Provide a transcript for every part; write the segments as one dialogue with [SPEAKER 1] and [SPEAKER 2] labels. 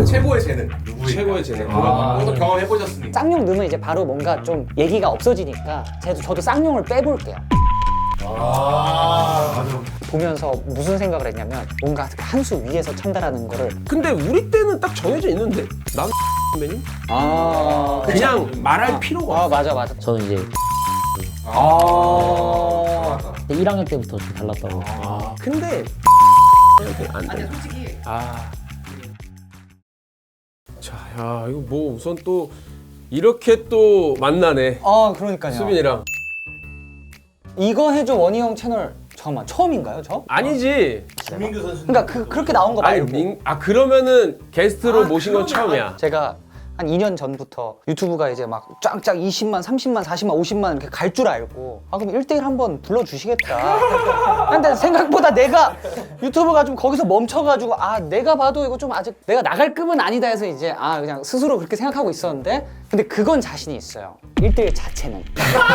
[SPEAKER 1] 최고의 재능 누구일까?
[SPEAKER 2] 최고의 재능.
[SPEAKER 1] 그것도 경험해보셨으니까.
[SPEAKER 3] 쌍용 넣으면 이제 바로 뭔가 좀 얘기가 없어지니까 저도 쌍용을 빼볼게요.
[SPEAKER 1] 맞아.
[SPEAKER 3] 보면서 무슨 생각을 했냐면 뭔가 한 수 위에서 찬다라는 거를
[SPEAKER 2] 근데 우리 때는 딱 정해져 있는데 난 선배님 그냥 말할 필요가 없어.
[SPEAKER 3] 맞아.
[SPEAKER 4] 저는 이제
[SPEAKER 3] 아
[SPEAKER 4] 1학년 때부터 좀 달랐다고.
[SPEAKER 2] 근데 안 돼.
[SPEAKER 1] 솔직히
[SPEAKER 2] 자, 야 이거 뭐 우선 또 이렇게 또 만나네.
[SPEAKER 3] 그러니까요.
[SPEAKER 2] 수빈이랑.
[SPEAKER 3] 이거 해줘 원희형 채널 잠깐만 처음인가요 저?
[SPEAKER 2] 아니지.
[SPEAKER 1] 김민규 선수.
[SPEAKER 3] 그러니까 그렇게 나온 거
[SPEAKER 2] 아니
[SPEAKER 3] 말고
[SPEAKER 2] 그러면은 게스트로 모신 건 처음이야.
[SPEAKER 3] 제가 한 2년 전부터 유튜브가 이제 막 쫙쫙 20만, 30만, 40만, 50만 이렇게 갈 줄 알고 그럼 1대1 한번 불러주시겠다. 근데 생각보다 내가 유튜브가 좀 거기서 멈춰가지고 내가 봐도 이거 좀 아직 내가 나갈 급은 아니다 해서 이제 그냥 스스로 그렇게 생각하고 있었는데 근데 그건 자신이 있어요. 1대1 자체는.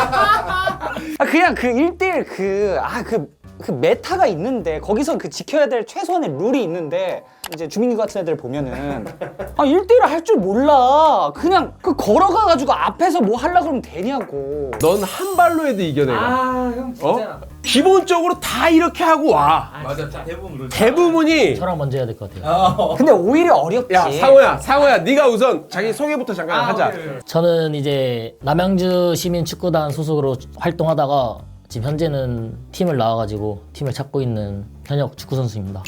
[SPEAKER 3] 그냥 그 1대1 그 메타가 있는데 거기서 그 지켜야 될 최소한의 룰이 있는데 이제 주민규 같은 애들 보면은 1대1 할 줄 몰라. 그냥 그 걸어가가지고 앞에서 뭐 하려고 그러면 되냐고.
[SPEAKER 2] 넌 한 발로 해도 이겨 내가.
[SPEAKER 3] 형
[SPEAKER 2] 기본적으로 다 이렇게 하고 와.
[SPEAKER 1] 맞아. 대부분 그러죠.
[SPEAKER 2] 대부분이.
[SPEAKER 4] 저랑 먼저 해야 될 것 같아요.
[SPEAKER 3] 근데 오히려 어렵지.
[SPEAKER 2] 야 상호야 네가 우선 자기 소개부터 잠깐 하자.
[SPEAKER 4] 저는 이제 남양주 시민 축구단 소속으로 활동하다가 지금 현재는 팀을 나와가지고 팀을 찾고 있는 현역 축구 선수입니다.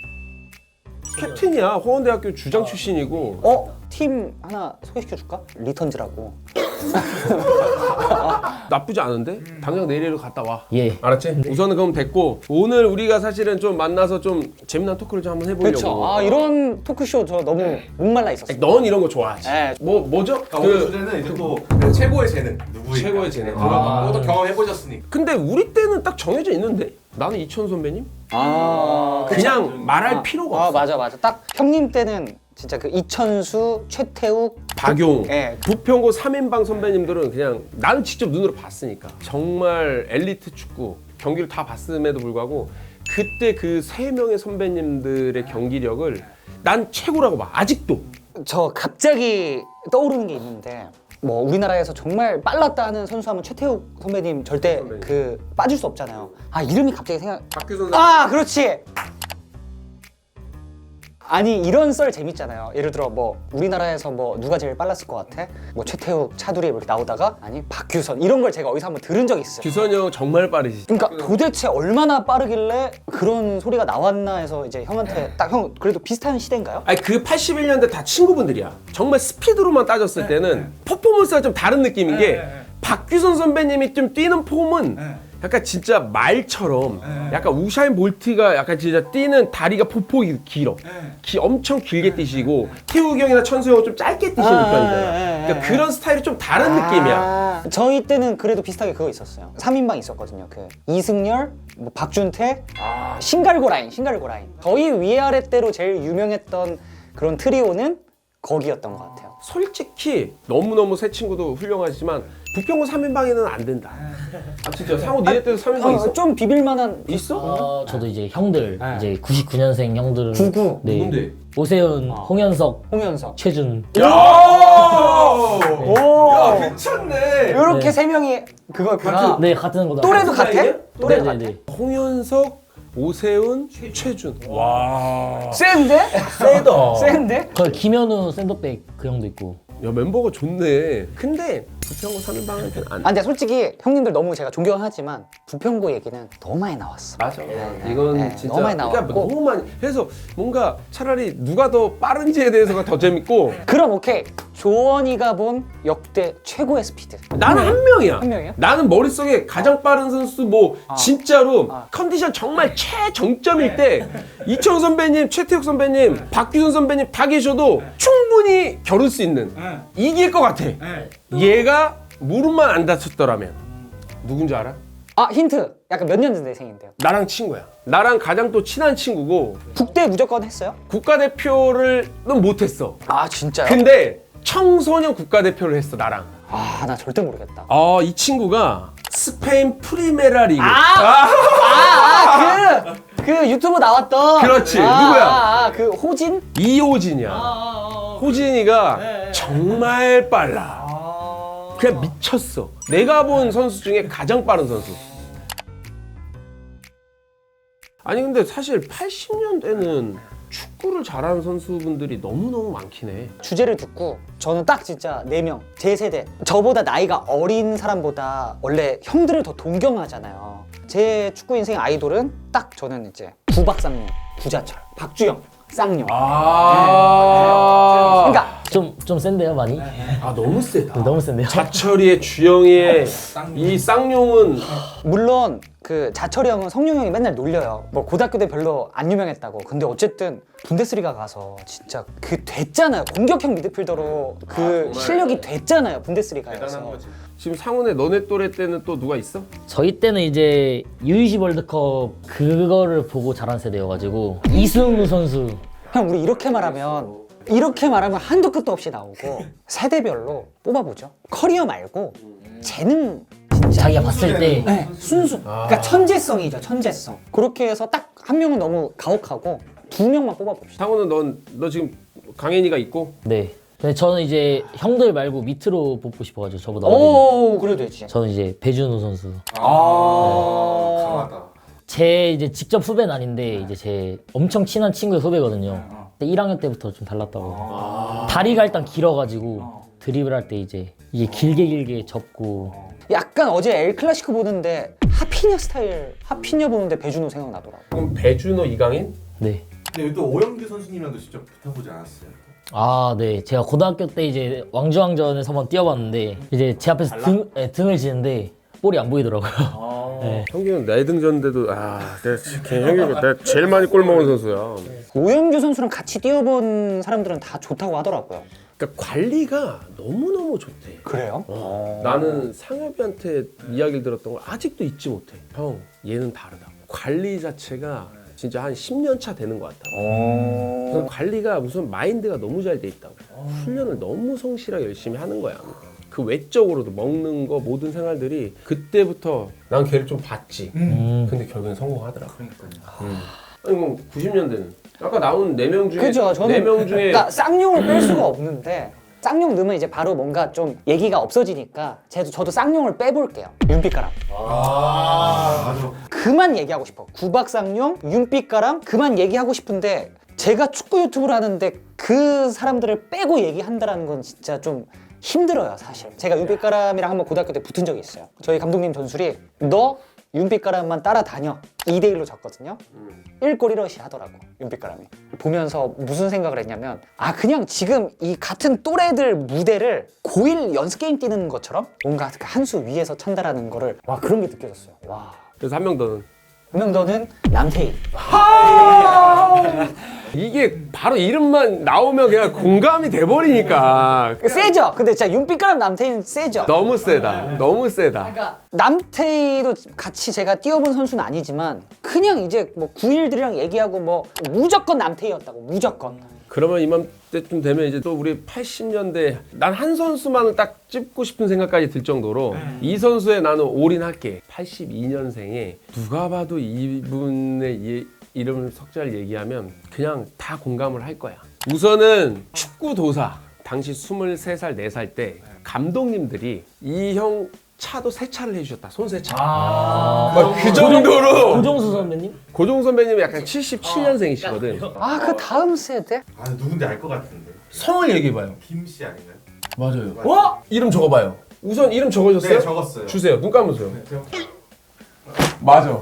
[SPEAKER 2] 캡틴이야. 호원대학교 주장 출신이고.
[SPEAKER 3] 팀 하나 소개시켜줄까? 리턴즈라고.
[SPEAKER 2] 나쁘지 않은데? 당장 내일로 갔다 와.
[SPEAKER 4] 예.
[SPEAKER 2] 알았지? 우선은 그럼 됐고 오늘 우리가 사실은 좀 만나서 좀 재미난 토크를 좀 한번 해보려고.
[SPEAKER 3] 그렇죠. 이런 토크쇼 저 너무 목말라 있었어요.
[SPEAKER 2] 넌 이런 거 좋아하지.
[SPEAKER 3] 네.
[SPEAKER 2] 뭐죠?
[SPEAKER 1] 오늘 주제는 이제 또 최고의 재능 누구일까?
[SPEAKER 2] 최고의 재능.
[SPEAKER 1] 그것도 경험해보셨으니까.
[SPEAKER 2] 근데 우리 때는 딱 정해져 있는데 나는 이천 선배님?
[SPEAKER 3] 그쵸.
[SPEAKER 2] 그냥 말할 필요가 없어.
[SPEAKER 3] 맞아. 딱 형님 때는 진짜 그 이천수, 최태욱,
[SPEAKER 2] 박용,
[SPEAKER 3] 예.
[SPEAKER 2] 부평고 3인방 선배님들은 그냥 나는 직접 눈으로 봤으니까 정말 엘리트 축구 경기를 다 봤음에도 불구하고 그때 그 3명의 선배님들의 경기력을 난 최고라고 봐. 아직도.
[SPEAKER 3] 저 갑자기 떠오르는 게 있는데 뭐 우리나라에서 정말 빨랐다 하는 선수 하면 최태욱 선배님 절대
[SPEAKER 2] 선배님.
[SPEAKER 3] 그 빠질 수 없잖아요. 이름이 갑자기
[SPEAKER 2] 박규 선수.
[SPEAKER 3] 그렇지. 아니 이런 썰 재밌잖아요. 예를 들어 뭐 우리나라에서 뭐 누가 제일 빨랐을 것 같아? 뭐 최태욱, 차두리 이렇게 나오다가 아니 박규선 이런 걸 제가 어디서 한번 들은 적이 있어요.
[SPEAKER 2] 규선이 형 정말 빠르시지.
[SPEAKER 3] 그러니까 도대체 얼마나 빠르길래 그런 소리가 나왔나 해서 이제 형한테 딱 형 그래도 비슷한 시대인가요?
[SPEAKER 2] 아니 그 81년대 다 친구분들이야. 정말 스피드로만 따졌을 때는 퍼포먼스가 좀 다른 느낌인 게 박규선 선배님이 좀 뛰는 폼은 약간 진짜 말처럼 약간 우샤인 볼트가 약간 진짜 뛰는 다리가 폭폭이 길어. 엄청 길게 뛰시고 태욱이 형이나 천수 형은 좀 짧게 뛰시는 편이잖아. 그러니까 그런 스타일이 좀 다른 느낌이야.
[SPEAKER 3] 저희 때는 그래도 비슷하게 그거 있었어요. 3인방 있었거든요. 그 이승열, 뭐 박준태, 신갈고 라인. 저희 위아래 때로 제일 유명했던 그런 트리오는 거기였던 것 같아요.
[SPEAKER 2] 솔직히 너무너무 새 친구도 훌륭하지만 부평구 3인방에는 안 된다. 진짜 상호 니네 때도 3인방 있어?
[SPEAKER 3] 좀 비빌만한
[SPEAKER 2] 있어?
[SPEAKER 4] 저도 이제 형들 이제 99년생 형들은
[SPEAKER 3] 99.
[SPEAKER 4] 네.
[SPEAKER 2] 누군데?
[SPEAKER 4] 오세훈, 홍현석,
[SPEAKER 3] 홍현석.
[SPEAKER 4] 최준.
[SPEAKER 3] 오,
[SPEAKER 1] 괜찮네.
[SPEAKER 3] 이렇게 세 명이 그거였구나.
[SPEAKER 4] 네 같은 거다.
[SPEAKER 3] 또래도 같아? 또래도 같아?
[SPEAKER 4] 네네네.
[SPEAKER 2] 홍현석, 오세훈, 최준. 와.
[SPEAKER 3] 센데?
[SPEAKER 2] 세다.
[SPEAKER 3] 센데?
[SPEAKER 4] 그 김현우 샌드백 그 형도 있고.
[SPEAKER 2] 야 멤버가 좋네. 근데 부평구 3인방한테는 안.
[SPEAKER 3] 근데 솔직히 형님들 너무 제가 존경하지만 부평구 얘기는 너무 많이 나왔어.
[SPEAKER 2] 맞아. 이건
[SPEAKER 3] 네,
[SPEAKER 2] 진짜
[SPEAKER 3] 너무 많이
[SPEAKER 2] 그러니까
[SPEAKER 3] 나왔고.
[SPEAKER 2] 너무 많이. 그래서 뭔가 차라리 누가 더 빠른지에 대해서가 더 재밌고.
[SPEAKER 3] 그럼 오케이. 조원이가 본 역대 최고의 스피드.
[SPEAKER 2] 나는 한 명이야.
[SPEAKER 3] 한 명이야?
[SPEAKER 2] 나는 머릿속에 가장 빠른 선수 뭐 진짜로 컨디션 정말 최정점일 때 이청 선배님, 최태욱 선배님, 박규선 선배님 다 계셔도 충분히 겨룰 수 있는 이길 것 같아. 얘가 무릎만 안 다쳤더라면 누군지 알아?
[SPEAKER 3] 힌트. 약간 몇 년 전 대생인데요.
[SPEAKER 2] 나랑 친구야. 나랑 가장 또 친한 친구고
[SPEAKER 3] 국대 무조건 했어요?
[SPEAKER 2] 국가대표를 못했어.
[SPEAKER 3] 진짜요?
[SPEAKER 2] 근데 청소년 국가대표를 했어 나랑.
[SPEAKER 3] 나 절대 모르겠다.
[SPEAKER 2] 이 친구가 스페인 프리메라 리그.
[SPEAKER 3] 그 유튜브 나왔던.
[SPEAKER 2] 그렇지. 누구야?
[SPEAKER 3] 그 호진?
[SPEAKER 2] 이호진이야. 호진이가 정말 빨라. 그냥 미쳤어. 내가 본 선수 중에 가장 빠른 선수. 아니 근데 사실 80년대는 축구를 잘하는 선수분들이 너무너무 많긴 해.
[SPEAKER 3] 주제를 듣고 저는 딱 진짜 4명 제 세대 저보다 나이가 어린 사람보다 원래 형들을 더 동경하잖아요. 제 축구 인생 아이돌은 딱 저는 이제 구박상용, 구자철, 박주영, 쌍용. 그러니까
[SPEAKER 4] 좀 센데요 많이?
[SPEAKER 2] 아 너무 세다.
[SPEAKER 4] 너무 센데요?
[SPEAKER 2] 자철이의 주영이의 이 쌍용은
[SPEAKER 3] 물론 그 자철이 형은 성룡 형이 맨날 놀려요. 뭐 고등학교 때 별로 안 유명했다고. 근데 어쨌든 분데스리가 가서 진짜 그 됐잖아요. 공격형 미드필더로 그 실력이 됐잖아요. 분데스리가에서.
[SPEAKER 2] 지금 상훈의 너네 또래 때는 또 누가 있어?
[SPEAKER 4] 저희 때는 이제 U20 월드컵 그거를 보고 자란 세대여가지고 이승우 선수
[SPEAKER 3] 형 우리 이렇게 말하면 한도 끝도 없이 나오고 세대별로 뽑아보죠. 커리어 말고 재능 진짜
[SPEAKER 4] 자기가 봤을 때
[SPEAKER 3] 네, 순수. 그러니까 천재성이죠, 천재성. 그렇게 해서 딱 한 명은 너무 가혹하고 2명만 뽑아봅시다.
[SPEAKER 2] 상훈은 너 지금 강현이가 있고
[SPEAKER 4] 네. 근데 저는 이제 형들 말고 밑으로 뽑고 싶어가지고 저보다 어린
[SPEAKER 3] 오, 그래도 되지.
[SPEAKER 4] 저는 이제 배준호 선수
[SPEAKER 1] 강하다.
[SPEAKER 4] 제 이제 직접 후배는 아닌데 이제 제 엄청 친한 친구의 후배거든요. 근데 1학년 때부터 좀 달랐다고. 다리가 일단 길어가지고 드리블할 때 이제 이게 길게 접고
[SPEAKER 3] 약간 어제 엘 클라시코 보는데 하피냐 스타일, 하피냐 보는데 배준호 생각나더라고.
[SPEAKER 2] 그럼 배준호, 이강인?
[SPEAKER 4] 네.
[SPEAKER 1] 근데 여기 또 오영규 선수님이랑도 직접 붙어보지 않았어요?
[SPEAKER 4] 아, 네. 제가 고등학교 때 이제 왕주왕전에서 한번 뛰어봤는데 이제 제 앞에서 등을 지는데 볼이 안 보이더라고요. 네.
[SPEAKER 2] 형규는 내 등졌는데도 내가 제일 많이 골 먹은 선수야.
[SPEAKER 3] 오영규 선수랑 같이 뛰어본 사람들은 다 좋다고 하더라고요.
[SPEAKER 2] 그러니까 관리가 너무너무 좋대.
[SPEAKER 3] 그래요?
[SPEAKER 2] 나는 상엽이한테 이야기를 들었던 걸 아직도 잊지 못해. 형, 얘는 다르다. 관리 자체가 진짜 한 10년 차 되는 것 같아. 그래서 관리가 무슨 마인드가 너무 잘 돼 있다고. 훈련을 너무 성실하게 열심히 하는 거야. 그 외적으로도 먹는 거 모든 생활들이 그때부터 난 걔를 좀 봤지. 근데 결국엔 성공하더라고. 아니 뭐 90년대는 아까 나온 4명 중에
[SPEAKER 3] 그죠. 저는
[SPEAKER 2] 4명 중에
[SPEAKER 3] 그러니까 쌍용을 뺄 수가 없는데 쌍용 넣으면 이제 바로 뭔가 좀 얘기가 없어지니까 저도 쌍용을 빼볼게요. 윤빛가람.
[SPEAKER 1] 맞아.
[SPEAKER 3] 그만 얘기하고 싶어. 구박쌍용, 윤빛가람 그만 얘기하고 싶은데 제가 축구 유튜브를 하는데 그 사람들을 빼고 얘기한다는 건 진짜 좀 힘들어요 사실. 제가 윤빛가람이랑 한번 고등학교 때 붙은 적이 있어요. 저희 감독님 전술이 너 윤빛가람만 따라다녀 2대1로 졌거든요. 1골 1어시 하더라고 윤빛가람이. 보면서 무슨 생각을 했냐면 아 그냥 지금 이 같은 또래들 무대를 고1 연습 게임 뛰는 것처럼 뭔가 한 수 위에서 찬다라는 거를 와 그런 게 느껴졌어요. 와.
[SPEAKER 2] 그래서 한 명 더는
[SPEAKER 3] 그러면 너는 남태희.
[SPEAKER 2] 이게 바로 이름만 나오면 그냥 공감이 돼버리니까
[SPEAKER 3] 세죠? 근데 진짜 윤빛가람 남태희는 세죠?
[SPEAKER 2] 너무 세다. 너무 세다.
[SPEAKER 3] 그러니까 남태희도 같이 제가 뛰어본 선수는 아니지만 그냥 이제 뭐 9일들이랑 얘기하고 뭐 무조건 남태희였다고 무조건.
[SPEAKER 2] 그러면 이맘때쯤 되면 이제 또 우리 80년대 난 한 선수만을 딱 찝고 싶은 생각까지 들 정도로 이 선수에 나는 올인할게. 82년생에 누가 봐도 이분의 이름을 석자를 얘기하면 그냥 다 공감을 할 거야. 우선은 축구 도사. 당시 23살, 4살 때 감독님들이 이 형 차도 세차를 해주셨다. 손세차. 그 정도로
[SPEAKER 4] 고종수 선배님?
[SPEAKER 2] 고종 선배님이 약간 77년생이시거든.
[SPEAKER 3] 아 그 다음 세대?
[SPEAKER 1] 아 누군지 알 것 같은데.
[SPEAKER 2] 성을 얘기해봐요.
[SPEAKER 1] 김씨 아닌가요?
[SPEAKER 2] 맞아요. 어? 이름 적어봐요. 우선 이름 적어줬어요?
[SPEAKER 1] 네 적었어요.
[SPEAKER 2] 주세요. 눈 감으세요.
[SPEAKER 1] 네, 제가...
[SPEAKER 2] 맞아.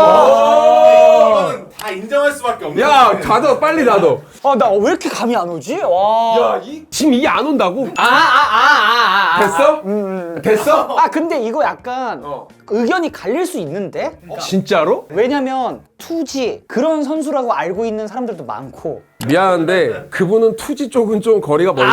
[SPEAKER 1] 이거는 다 인정할 수밖에 없는.
[SPEAKER 2] 야, 닫아. 빨리 닫아.
[SPEAKER 3] 아 나 왜 이렇게 감이 안 오지? 와.
[SPEAKER 2] 지금 이게 안 온다고? 됐어? 됐어?
[SPEAKER 3] 아 근데 이거 약간 의견이 갈릴 수 있는데?
[SPEAKER 2] 진짜로?
[SPEAKER 3] 왜냐면 투지 그런 선수라고 알고 있는 사람들도 많고.
[SPEAKER 2] 미안한데 그분은 투지 쪽은 좀 거리가 멀고.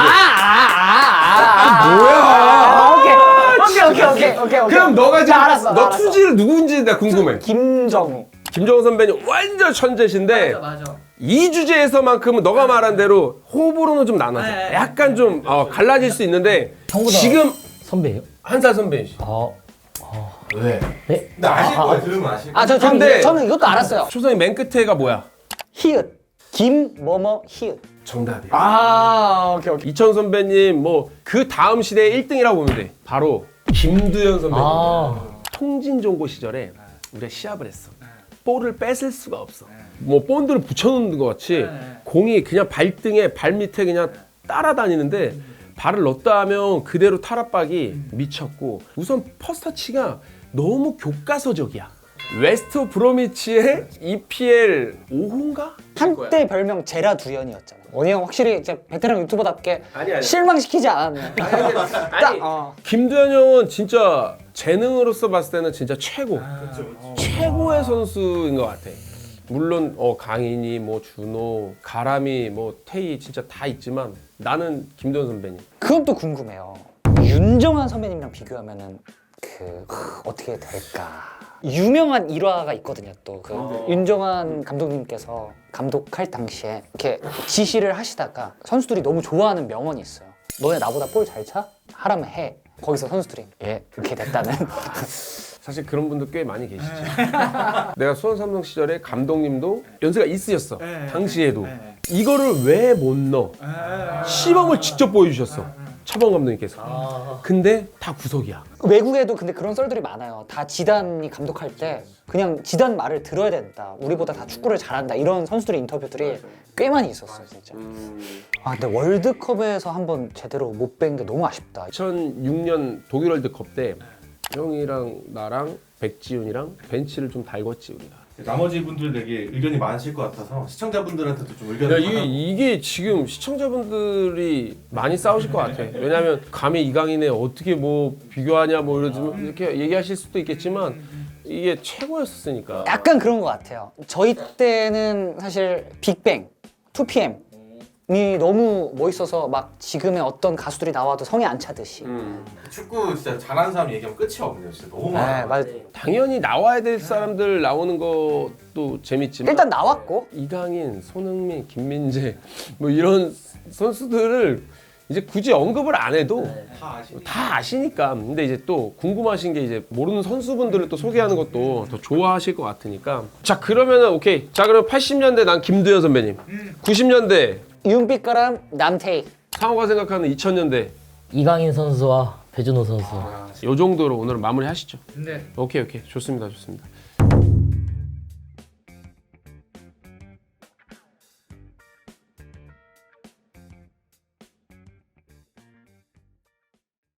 [SPEAKER 3] 오케이.
[SPEAKER 2] 그럼 너가 지금
[SPEAKER 3] 나 알았어.
[SPEAKER 2] 너 투지를 누구인지 나 궁금해.
[SPEAKER 3] 김정우.
[SPEAKER 2] 김정은 선배님 완전 천재신데
[SPEAKER 3] 맞아.
[SPEAKER 2] 이 주제에서만큼은 너가 말한 대로 호불호는 좀 나눠져. 약간 좀 갈라질 수 있는데
[SPEAKER 4] 형보다
[SPEAKER 2] 지금
[SPEAKER 4] 선배예요?
[SPEAKER 2] 한 살 선배이시.
[SPEAKER 1] 왜?
[SPEAKER 4] 네?
[SPEAKER 1] 근데 아실 거예요. 들으면 아실 거예요.
[SPEAKER 2] 근데-
[SPEAKER 3] 저는 이것도 알았어요.
[SPEAKER 2] 초성이 맨 끝에가 뭐야?
[SPEAKER 3] 히읗. 김뭐뭐 히읗.
[SPEAKER 2] 정답이야.
[SPEAKER 3] 아, 오케이 오케이.
[SPEAKER 2] 이천 선배님 뭐 그 다음 시대의 1등이라고 보면 돼. 바로 김두현 선배님. 통진종고 시절에 우리가 시합을 했어. 볼을 뺏을 수가 없어. 뭐 본드를 붙여놓는 것 같이 공이 그냥 발등에 발 밑에 그냥 따라다니는데 발을 넣었다 하면 그대로 탈압박이 미쳤고 우선 퍼스터치가 너무 교과서적이야. 웨스트 브로미치의 EPL 5호인가?
[SPEAKER 3] 한때 별명 제라 두현이었잖아. 원희 형 확실히 이제 베테랑 유튜버답게
[SPEAKER 2] 아니.
[SPEAKER 3] 실망시키지 않았네.
[SPEAKER 2] 아니, 김두현 형은 진짜 재능으로서 봤을 때는 진짜 최고. 최고의 선수인 것 같아. 물론 강인이, 뭐 준호, 가람이, 뭐 태희 진짜 다 있지만 나는 김두현 선배님.
[SPEAKER 3] 그건 또 궁금해요. 윤정환 선배님이랑 비교하면은 어떻게 될까? 유명한 일화가 있거든요. 또 그 윤정환 감독님께서 감독할 당시에 이렇게 지시를 하시다가 선수들이 너무 좋아하는 명언이 있어요. 너네 나보다 볼 잘 차? 하라면 해. 거기서 선수들이 예 이렇게 됐다는.
[SPEAKER 2] 사실 그런 분들 꽤 많이 계시지. 내가 수원 삼성 시절에 감독님도 연세가 있으셨어. 당시에도. 이거를 왜 못 넣어? 시범을 직접 보여주셨어. 차범 감독님께서. 근데 다 구석이야.
[SPEAKER 3] 외국에도 근데 그런 썰들이 많아요. 다 지단이 감독할 때 그냥 지단 말을 들어야 된다. 우리보다 다 축구를 잘한다. 이런 선수들의 인터뷰들이 꽤 많이 있었어요, 진짜. 아, 근데 월드컵에서 한번 제대로 못 뵌 게 너무 아쉽다.
[SPEAKER 2] 2006년 독일 월드컵 때 형이랑 나랑 백지훈이랑 벤치를 좀 달궜지 우리가.
[SPEAKER 1] 나머지 분들에게 의견이 많으실 것 같아서 시청자분들한테도 좀
[SPEAKER 2] 야,
[SPEAKER 1] 의견을
[SPEAKER 2] 이게 지금 시청자분들이 많이 싸우실 것 같아. 왜냐면 감히 이강인에 어떻게 뭐 비교하냐 뭐 이렇게 얘기하실 수도 있겠지만 이게 최고였으니까.
[SPEAKER 3] 약간 그런 것 같아요. 저희 때는 사실 빅뱅, 2PM이 너무 멋있어서 막 지금의 어떤 가수들이 나와도 성에 안 차듯이.
[SPEAKER 1] 축구 진짜 잘하는 사람 얘기하면 끝이 없네요. 진짜 너무
[SPEAKER 3] 네,
[SPEAKER 1] 많아요.
[SPEAKER 3] 맞아.
[SPEAKER 2] 당연히 나와야 될 사람들 나오는 것도 재밌지만
[SPEAKER 3] 일단 나왔고
[SPEAKER 2] 이강인, 손흥민, 김민재 뭐 이런 선수들을 이제 굳이 언급을 안 해도 다 아시니까. 근데 이제 또 궁금하신 게 이제 모르는 선수분들을 또 소개하는 것도 더 좋아하실 것 같으니까. 자, 그러면은 오케이. 자, 그럼 80년대 난 김두현 선배님. 90년대
[SPEAKER 3] 윤빛가람 남태희.
[SPEAKER 2] 상호가 생각하는 2000년대
[SPEAKER 4] 이강인 선수와 배준호 선수.
[SPEAKER 2] 요 정도로 오늘 마무리 하시죠.
[SPEAKER 3] 네.
[SPEAKER 2] 오케이 좋습니다.